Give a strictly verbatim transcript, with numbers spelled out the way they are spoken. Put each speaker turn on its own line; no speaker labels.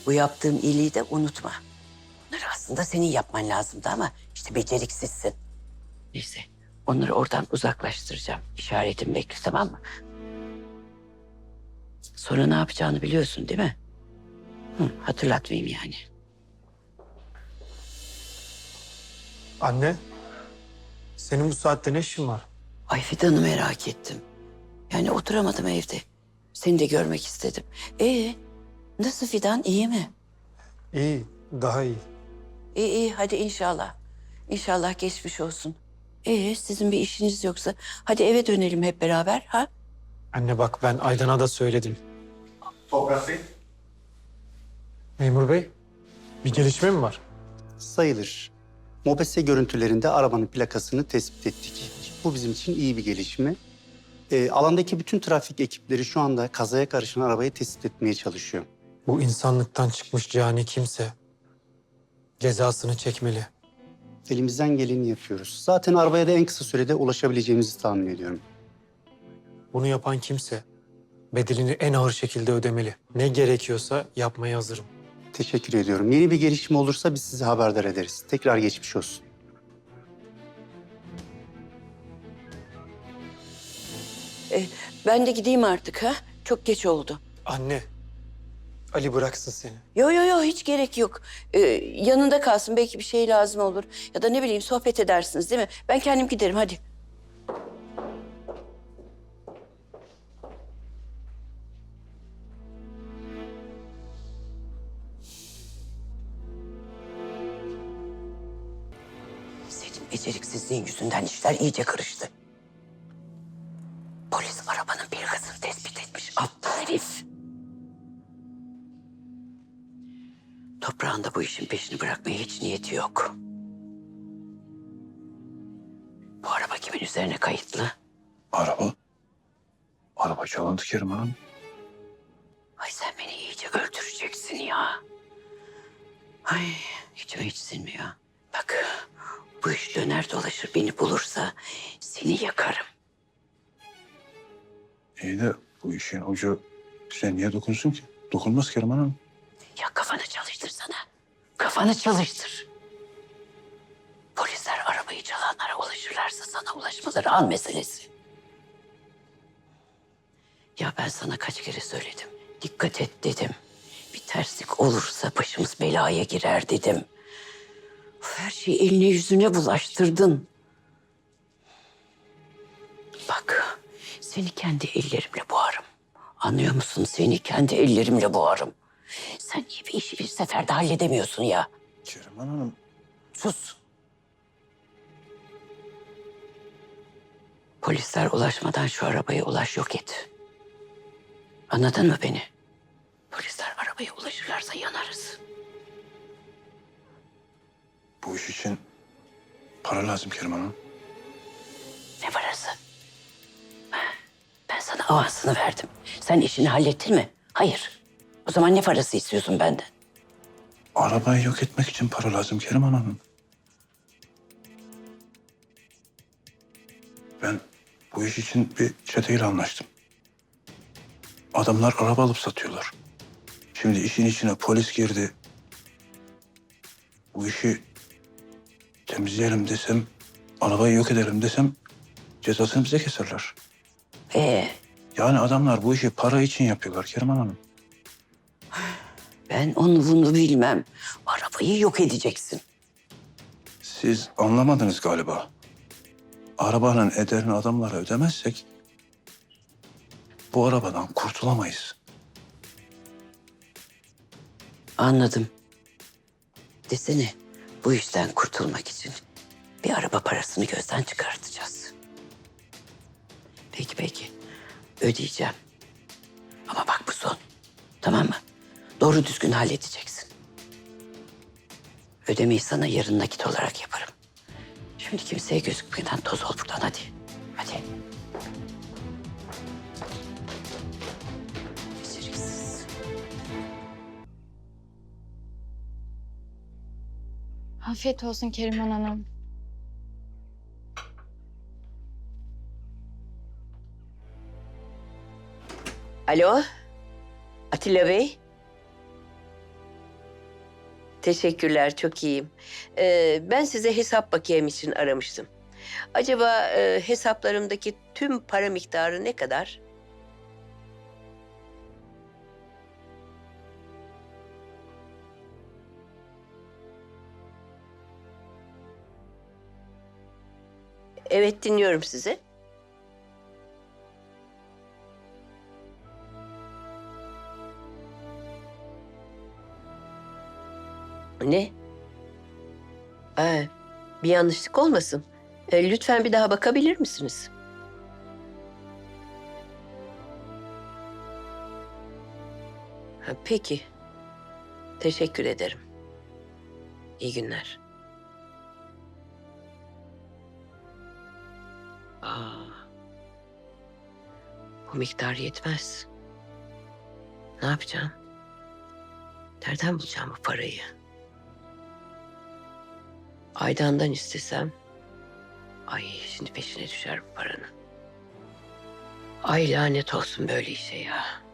Bu yaptığım iyiliği de unutma. Bunları aslında senin yapman lazımdı ama işte beceriksizsin. Neyse, onları oradan uzaklaştıracağım. İşaretimi bekle, tamam mı? Sonra ne yapacağını biliyorsun değil mi? Hı, hatırlatmayayım yani.
Anne, senin bu saatte ne işin var?
Ay Fidan'ı merak ettim. Yani oturamadım evde. Seni de görmek istedim. Ee, nasıl Fidan, iyi mi?
İyi, daha iyi.
İyi iyi, hadi inşallah. İnşallah geçmiş olsun. Ee, sizin bir işiniz yoksa hadi eve dönelim hep beraber, ha?
Anne bak ben Aydan'a da söyledim.
Toprak Bey.
Memur bey, bir gelişme mi var?
Sayılır. Mobese görüntülerinde arabanın plakasını tespit ettik. Bu bizim için iyi bir gelişme. Ee, alandaki bütün trafik ekipleri şu anda kazaya karışan arabayı tespit etmeye çalışıyor.
Bu insanlıktan çıkmış cani kimse cezasını çekmeli.
Elimizden geleni yapıyoruz. Zaten arabaya da en kısa sürede ulaşabileceğimizi tahmin ediyorum.
Bunu yapan kimse bedelini en ağır şekilde ödemeli. Ne gerekiyorsa yapmaya hazırım.
Teşekkür ediyorum. Yeni bir gelişme olursa biz sizi haberdar ederiz. Tekrar geçmiş olsun.
Ee, ben de gideyim artık, ha? Çok geç oldu.
Anne, Ali bıraksın seni.
Yo yo yo, hiç gerek yok. Ee, yanında kalsın, belki bir şey lazım olur. Ya da ne bileyim, sohbet edersiniz değil mi? Ben kendim giderim, hadi. Senin beceriksizliğin yüzünden işler iyice karıştı. Polis arabanın plakasını tespit etmiş. Aptal herif. Toprağın da bu işin peşini bırakmaya hiç niyeti yok. Bu araba kimin üzerine kayıtlı?
Araba? Araba çalındı Kerim Hanım.
Ay sen beni iyice öldüreceksin ya. Ay içime hiç sinmiyor. Bak bu iş döner dolaşır beni bulursa seni yakarım.
İyi de bu işin ucu bize niye dokunsun ki? Dokunmaz Kerim Hanım.
Ya kafanı çalıştırsana. Kafanı çalıştır. Polisler arabayı çalanlara ulaşırlarsa sana ulaşmaları an meselesi. Ya ben sana kaç kere söyledim. Dikkat et dedim. Bir terslik olursa başımız belaya girer dedim. Of, her şeyi eline yüzüne bulaştırdın. Bak seni kendi ellerimle boğarım. Anlıyor musun? Seni kendi ellerimle boğarım. Sen niye bir işi bir seferde halledemiyorsun ya?
Kerim Hanım.
Sus. Polisler ulaşmadan şu arabaya ulaş, yok et. Anladın mı beni? Polisler arabaya ulaşırlarsa yanarız.
Bu iş için para lazım Kerim Hanım.
Ne parası? Ben sana avansını verdim. Sen işini hallettin mi? Hayır. O zaman ne parası istiyorsun benden?
Arabayı yok etmek için para lazım Kerim Hanım. Ben bu iş için bir çeteyle anlaştım. Adamlar araba alıp satıyorlar. Şimdi işin içine polis girdi. Bu işi temizleyelim desem, arabayı yok edelim desem cezasını bize keserler.
Ee,
Yani adamlar bu işi para için yapıyorlar Kerim Hanım.
ben onu bunu bilmem. Arabayı yok edeceksin.
Siz anlamadınız galiba. Arabanın ederini adamlara ödemezsek bu arabadan kurtulamayız.
Anladım. Desene, bu işten kurtulmak için bir araba parasını gözden çıkartacağız. Peki peki, ödeyeceğim. Ama bak bu son, tamam mı? Doğru düzgün halledeceksin. Ödemeyi sana yarın nakit olarak yaparım. Şimdi kimseye gözükmeden toz ol buradan, hadi. Hadi. Beceriksiz.
Afiyet olsun Keriman Hanım.
Alo, Atilla Bey.
Teşekkürler, çok iyiyim. Ee, ben size hesap bakiyem için aramıştım. Acaba e, hesaplarımdaki tüm para miktarı ne kadar? Evet, dinliyorum sizi. Ne? Aa, bir yanlışlık olmasın. E, lütfen bir daha bakabilir misiniz? Ha, peki. Teşekkür ederim. İyi günler. Aa, bu miktar yetmez. Ne yapacağım? Nereden bulacağım bu parayı? Aydan'dan istesem... Ay şimdi peşine düşer bu paranın. Ay lanet olsun böyle işe ya.